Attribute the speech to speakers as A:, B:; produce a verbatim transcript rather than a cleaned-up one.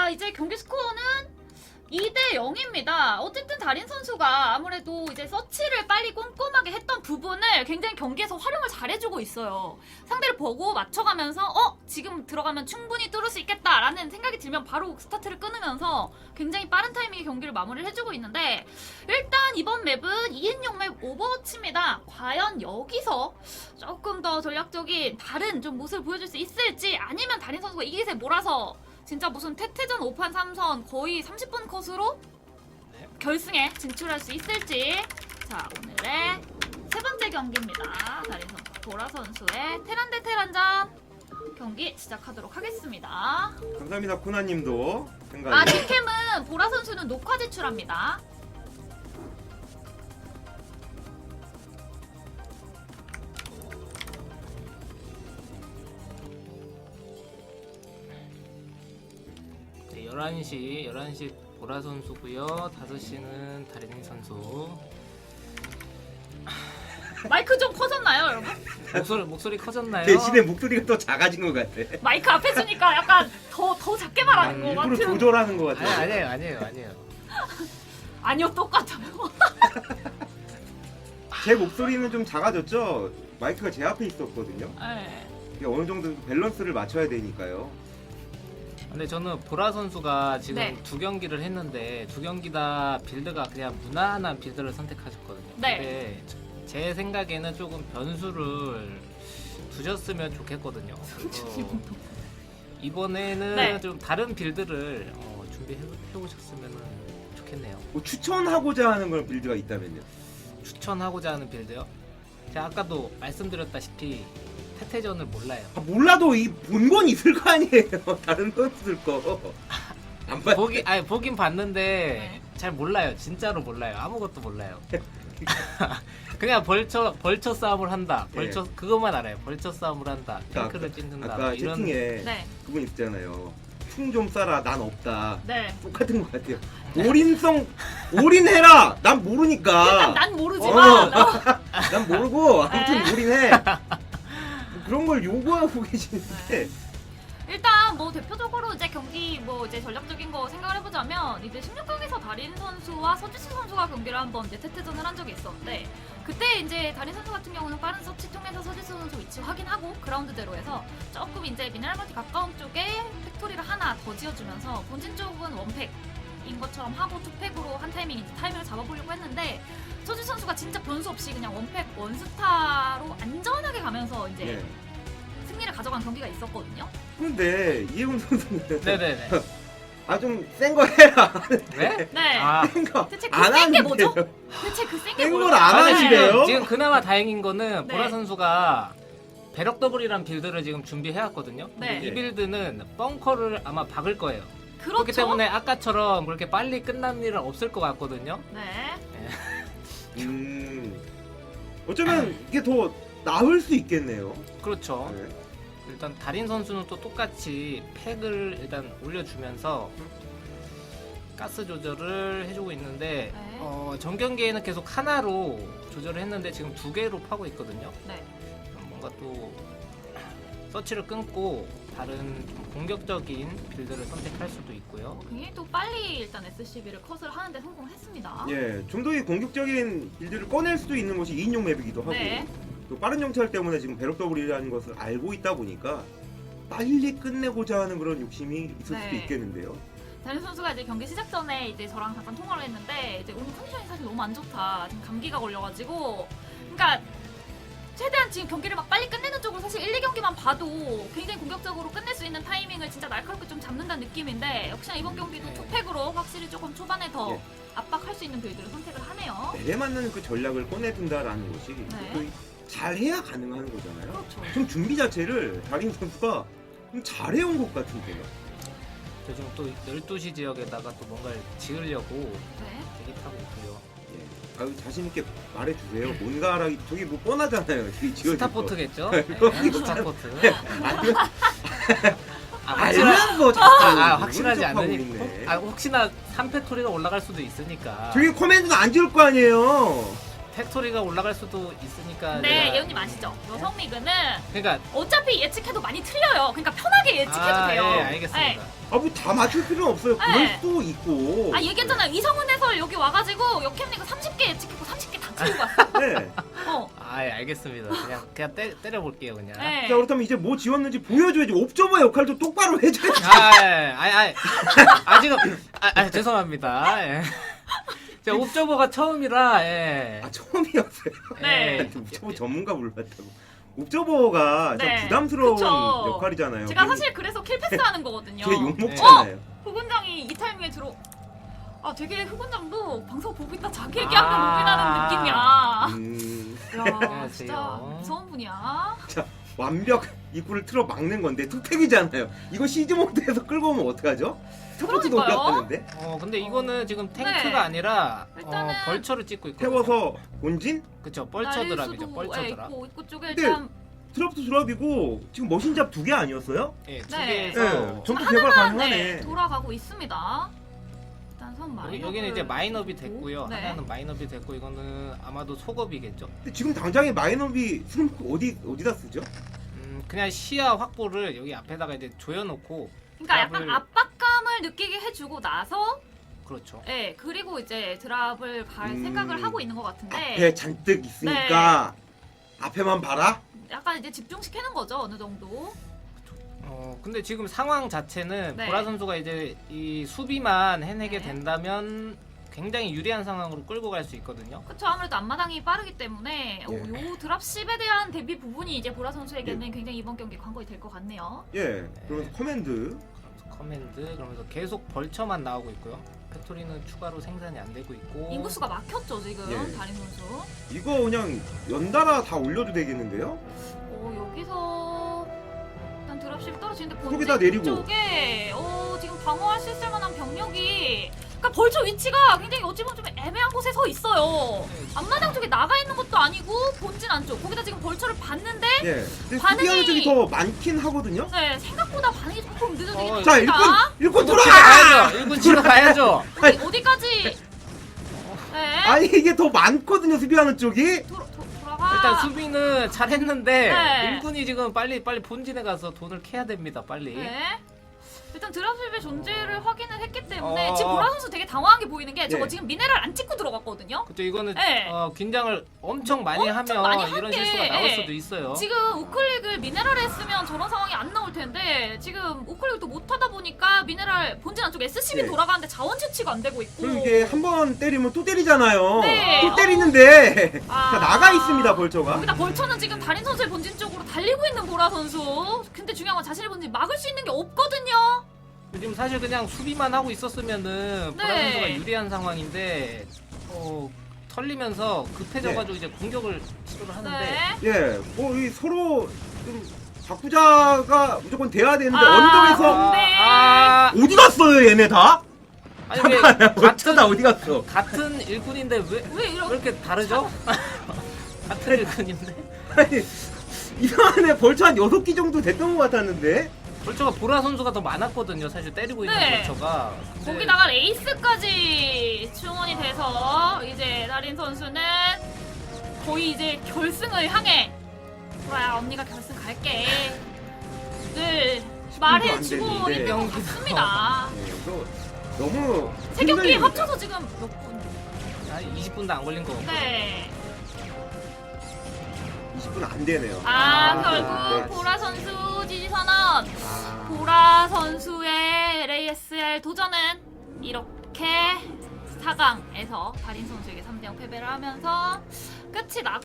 A: 자, 이제 경기 스코어는 이 대 영입니다. 어쨌든 달인 선수가 아무래도 이제 서치를 빨리 꼼꼼하게 했던 부분을 굉장히 경기에서 활용을 잘해주고 있어요. 상대를 보고 맞춰가면서 어? 지금 들어가면 충분히 뚫을 수 있겠다라는 생각이 들면 바로 스타트를 끊으면서 굉장히 빠른 타이밍에 경기를 마무리를 해주고 있는데, 일단 이번 맵은 이인용 맵 오버워치입니다. 과연 여기서 조금 더 전략적인 다른 좀 모습을 보여줄 수 있을지, 아니면 달인 선수가 이 기세 몰아서 진짜 무슨 태태전 오 판 삼 선 거의 삼십 분 컷으로
B: 네.
A: 결승에 진출할 수 있을지. 자, 오늘의 세 번째 경기입니다. 달인 선수 보라 선수의 테란 대 테란전 경기 시작하도록 하겠습니다.
C: 감사합니다. 코나님도 생각이.
A: 아, 뒷캠은 보라 선수는 녹화 제출합니다.
B: 네, 열한 시, 열한 시 보라 선수고요. 다섯 시는 다린 선수.
A: 마이크 좀 커졌나요, 여러분?
B: 목소리 목소리 커졌나요?
C: 대신에 목소리가 더 작아진 것 같아.
A: 마이크 앞에 주니까 약간 더, 더 작게 말하는 것
C: 일부러
A: 같은.
C: 조절하는 것
B: 아니,
C: 같아.
B: 아니에요, 아니에요, 아니에요.
A: 아니요, 똑같아요.
C: 제 목소리는 좀 작아졌죠? 마이크가 제 앞에 있었거든요.
A: 네.
C: 이게 어느 정도 밸런스를 맞춰야 되니까요.
B: 근데 저는 보라 선수가 지금
A: 네.
B: 두 경기를 했는데 두 경기 다 빌드가 그냥 무난한 빌드를 선택하셨거든요.
A: 네.
B: 근데 제 생각에는 조금 변수를 두셨으면 좋겠거든요. 그래서 이번에는
A: 네.
B: 좀 다른 빌드를 어, 준비해 오셨으면 좋겠네요.
C: 뭐 추천하고자 하는 그런 빌드가 있다면요.
B: 추천하고자 하는 빌드요. 제가 아까도 말씀드렸다시피 태태전을 몰라요.
C: 아, 몰라도 이 본 건 있을 거 아니에요. 다른 선수들 거. 안 봤.
B: 보기 아니 보긴 봤는데
A: 네.
B: 잘 몰라요. 진짜로 몰라요. 아무것도 몰라요. 그냥 벌처 벌처 싸움을 한다. 벌처
C: 예.
B: 그것만 알아요. 벌처 싸움을 한다.
C: 아까,
B: 탱크를 찢는다.
C: 아까
B: 뭐 이런
C: 채팅에
A: 네.
C: 그분 있잖아요. 충 좀 쏴라. 난 없다.
A: 네.
C: 똑같은 것 같아요. 올인성 올인해라. 난 모르니까.
A: 일단 난 모르지만
C: 어.
A: 어.
C: 난 모르고 아무튼
A: 네.
C: 올인해. 뭐 그런 걸 요구하고 계시는데.
A: 일단 뭐 대표적으로 이제 경기 뭐 이제 전략적인 거 생각을 해보자면, 이제 십육 강에서 달인 선수와 서지수 선수가 경기를 한번 이제 태태전을 한 적이 있었는데, 그때 이제 달인 선수 같은 경우는 빠른 서치 통해서 서지수 선수 위치 확인하고 그라운드대로 해서 조금 이제 미네랄마티 가까운 쪽에 팩토리를 하나 더 지어주면서 본진 쪽은 원팩인 것처럼 하고 투팩으로 한 타이밍 이제 타이밍을 잡아보려고 했는데, 서지수 선수가 진짜 변수 없이 그냥 원팩 원스타로 안전하게 가면서 이제
C: 네.
A: 승리를 가져간 경기가 있었거든요.
C: 근데 이혜훈 선수는
B: 네네네.
C: 아 좀 센 거 해라.
B: 네?
A: 네.
B: 아,
C: 센거
A: 대체
C: 안
A: 그 센 게
C: 하는데요.
A: 뭐죠? 대체 그 센 게
C: 센
A: 뭐죠?
C: 걸 안
B: 아니,
C: 하시네요?
B: 지금, 지금 그나마 다행인 거는
A: 네.
B: 보라 선수가 배럭 더블이란 빌드를 지금 준비해왔거든요. 근데
A: 네.
B: 이 빌드는 벙커를 아마 박을 거예요.
A: 그렇죠.
B: 그렇기 때문에 아까처럼 그렇게 빨리 끝난 일은 없을 것 같거든요.
A: 네.
C: 음 어쩌면 이게 더 나을 수 있겠네요.
B: 그렇죠.
C: 네.
B: 일단 달인 선수는 또 똑같이 팩을 일단 올려주면서 가스 조절을 해주고 있는데
A: 네.
B: 어, 전 경기에는 계속 하나로 조절을 했는데 지금 두 개로 파고 있거든요.
A: 네.
B: 뭔가 또 서치를 끊고 다른 좀 공격적인 빌드를 선택할 수도 있고요.
A: 굉장히 또 빨리 일단 에스씨비를 컷을 하는데 성공했습니다.
C: 예, 좀 더 공격적인 빌드를 꺼낼 수도 있는 것이 이인용 맵이기도 하고
A: 네.
C: 또 빠른 정찰 때문에 지금 배럭 더블이라는 것을 알고 있다 보니까 빨리 끝내고자 하는 그런 욕심이 있을
A: 네.
C: 수도 있겠는데요.
A: 달인 선수가 이제 경기 시작 전에 이제 저랑 잠깐 통화를 했는데, 이제 오늘 컨디션이 사실 너무 안 좋다. 지금 감기가 걸려가지고, 그러니까 최대한 지금 경기를 막 빨리 끝내는 쪽으로 사실 일, 이 경기만 봐도 굉장히 공격적으로 끝낼 수 있는 타이밍을 진짜 날카롭게 좀 잡는다는 느낌인데, 역시나 이번 경기도
B: 네.
A: 투팩으로 확실히 조금 초반에 더
C: 예.
A: 압박할 수 있는 빌드를 선택을 하네요.
C: 내에 맞는 그 전략을 꺼내든다라는 것이
A: 네.
C: 또 잘해야 가능한 거잖아요.
A: 그렇죠.
C: 좀 준비 자체를 달인 선수가 좀 잘해온 것 같은데요.
B: 저 지금 또 열두 시 지역에다가 또 뭔가를 지으려고
A: 네.
B: 대기 타고 있고요.
C: 예. 아유 자신 있게 말해주세요. 뭔가 하라 저기 뭐 뻔하잖아요. 저기 지어진
B: 스타포트겠죠?
C: 거.
B: 네, 스타포트.
C: 아니면
B: 아, 확실하,
C: 알면 뭐
B: 아,
C: 자꾸
B: 아, 확실하지
C: 모른 척하고
B: 않으니
C: 있네.
B: 아, 혹시나 삼 팩토리가 올라갈 수도 있으니까.
C: 저기 코멘트도 안 지을 거 아니에요.
B: 팩토리가 올라갈 수도 있으니까.
A: 네,
B: 내가-
A: 예은님 아시죠? 여성 리그는
B: 그러니까
A: 어차피 예측해도 많이 틀려요. 그러니까 편하게 예측해도
B: 아,
A: 돼요.
B: 예, 알겠습니다.
A: 네.
C: 아 뭐 다 맞출 필요는 없어요. 그럴
A: 네.
C: 수도 있고.
A: 아 얘기했잖아요. 이성훈 해설 여기 와가지고 역캠 리그 삼십 개 예측했고 삼십 개 다 틀고 갔어.
C: 네.
A: 어.
B: 아, 예, 알겠습니다. 그냥 그냥 때, 때려볼게요, 그냥.
A: 네.
C: 자 그렇다면 이제 뭐 지웠는지 보여줘야지. 옵저버 역할도 똑바로 해줘야지.
B: 아, 예, 아, 아, 아, 지금, 아, 아, 죄송합니다. 예. 제가 옵저버가 처음이라, 예.
C: 아 처음이었어요.
A: 네.
B: 예.
C: 옵저버 전문가 불렀다고. 옵저버가
A: 네.
C: 좀 부담스러운
A: 그쵸.
C: 역할이잖아요.
A: 제가 사실 그래서 킬패스하는 거거든요.
C: 걔 욕먹잖아요.
A: 흑원장이 이 타이밍에 들어. 아 되게 흑원장도 방송 보고 있다 자기 얘기하면 로빈하는 느낌이야.
C: 음,
A: 야
B: 안녕하세요.
A: 진짜 무서운 분이야.
C: 완벽 입구를 틀어 막는 건데 투팩이잖아요. 이거 시즈 모드에서 끌고 오면 어떡하죠? 스포츠도
A: 그러니까요.
C: 올라가는데
B: 어, 근데 이거는 지금 탱크가
A: 네.
B: 아니라,
A: 일단은
B: 어, 벌처를 찍고 있거든요.
C: 태워서 본진
B: 그쵸, 벌처드랍이죠,
A: 예,
B: 벌처드랍.
A: 있고 입구 쪽에
C: 근데
A: 일단
C: 드랍도 드랍이고 지금 머신잡 두 개 아니었어요?
B: 예, 두
A: 네.
B: 개에서.
C: 네, 전부
A: 하나만,
C: 개발 가능하네.
A: 네, 돌아가고 있습니다. 일단 선 마이너.
B: 여기, 여기는 이제 마인업이 됐고요.
A: 네.
B: 하나는 마인업이 됐고, 이거는 아마도 속업이겠죠.
C: 근데 지금 당장에 마이너비 쓰는 거 어디 어디다 쓰죠?
B: 음, 그냥 시야 확보를 여기 앞에다가 이제 조여놓고,
A: 그러니까 약간
B: 드랍을-
A: 압박감을 느끼게 해주고 나서,
B: 그렇죠.
A: 예 그리고 이제 드랍을 갈
C: 음,
A: 생각을 하고 있는 것 같은데.
C: 앞에 잔뜩 있으니까 앞에만 봐라.
A: 약간 이제 집중시키는 거죠 어느 정도.
B: 어, 근데 지금 상황 자체는
A: 네.
B: 보라 선수가 이제 이 수비만 해내게
A: 네.
B: 된다면 굉장히 유리한 상황으로 끌고 갈 수 있거든요.
A: 그쵸 아무래도 앞마당이 빠르기 때문에 오,
C: 예.
A: 요 드랍 십에 대한 대비 부분이 이제 보라 선수에게는 굉장히 이번 경기 관건이 될 것 같네요.
C: 예. 그러면서 커맨드.
B: 그러면서 커맨드 그러면서 계속 벌처만 나오고 있고요. 팩토리는 추가로 생산이 안 되고 있고.
A: 인구수가 막혔죠 지금
C: 예.
A: 다린 선수.
C: 이거 그냥 연달아 다 올려도 되겠는데요?
A: 오 여기서 일단 드랍십 떨어지는데
C: 거기다
A: 본진
C: 내리고.
A: 쪽에 오 지금 방어할 수 있을 만한 병력이 그러니까 벌처 위치가 굉장히 어찌 보면 좀 애매한 곳에 서 있어요.
B: 네,
A: 앞마당 쪽에 나가 있는 것도 아니고 본진 안쪽 거기다 지금 벌처를 봤는데
C: 예. 근데
A: 반응이-
C: 수비하는 쪽이 더 많긴 하거든요.
A: 네 생각보다 반응이 조금 늦어지긴
B: 어,
C: 자,
A: 합니다.
C: 일꾼 일꾼
B: 일군
C: 돌아!
B: 치러 가야죠. 일군 치러 가야죠.
A: 어디, 어디까지? 네.
C: 아니 이게 더 많거든요. 수비하는 쪽이.
A: 도, 도, 돌아가.
B: 일단 수비는 잘했는데
A: 네.
B: 일군이 지금 빨리 빨리 본진에 가서 돈을 캐야 됩니다. 빨리.
A: 네. 일단 드랍십의 존재를 확인을 했기 때문에
B: 어.
A: 지금 보라 선수 되게 당황하게 보이는 게 저거
C: 네.
A: 지금 미네랄 안 찍고 들어갔거든요.
B: 그쵸, 이거는
A: 네.
B: 어, 긴장을 엄청 많이
A: 엄청
B: 하면
A: 많이 한
B: 이런
A: 게,
B: 실수가 나올
A: 예.
B: 수도 있어요.
A: 지금 우클릭을 미네랄에 했으면 저런 상황이 안 나올 텐데 지금 우클릭도 못 하다 보니까 미네랄 본진 안쪽 에스씨비
C: 네.
A: 돌아가는데 자원 채취가 안 되고 있고.
C: 그리고 이게 한 번 때리면 또 때리잖아요.
A: 네.
C: 또 때리는데
A: 아.
C: 다 나가 있습니다. 벌처가.
A: 거기다 벌처는 지금 달인 선수의 본진 쪽으로 달리고 있는 보라 선수. 근데 중요한 건 자신의 본진 막을 수 있는 게 없거든요.
B: 지금 사실 그냥 수비만 하고 있었으면은 보라
A: 네.
B: 선수가 유리한 상황인데 어, 털리면서 급해져가지고 이제 공격을 시도를 하는데
A: 네.
C: 예. 뭐이 서로 좀 바꾸자가 무조건 돼야 되는데
A: 아,
C: 언덕에서
A: 네.
B: 아,
C: 어디 갔어요, 얘네 다?
B: 아니 왜
C: 벌처 다
B: 같은
C: 어디 갔어?
B: 같은 일꾼인데 왜,
A: 왜
B: 왜
A: 이렇게
B: 이렇게 다르죠? 같은 일꾼인데
C: 아니 이상하네. 벌처 한 여섯 기 정도 됐던 것 같았는데.
B: 벌처가 보라 선수가 더 많았거든요. 사실 때리고 있는
A: 네.
B: 벌처가. 근데
A: 거기다가 레이스까지 충원이 돼서 이제 달인 선수는 거의 이제 결승을 향해 보라야 언니가 결승 갈게 늘 말해주고
C: 됐는데.
A: 있는 것 같습니다.
C: 네, 이거 너무
A: 세 경기
C: 힘들입니다.
A: 합쳐서 지금 몇 분?
B: 한 이십 분도 안 걸린 거.
A: 네.
C: 이십 분 안 되네요.
A: 아,
C: 아,
A: 결국
C: 네.
A: 보라 선수 지지 선언.
C: 아,
A: 보라 선수의 엘에이에스엘 도전은 이렇게 사 강에서 달인 선수에게 삼 대 영 패배를 하면서 끝이 나.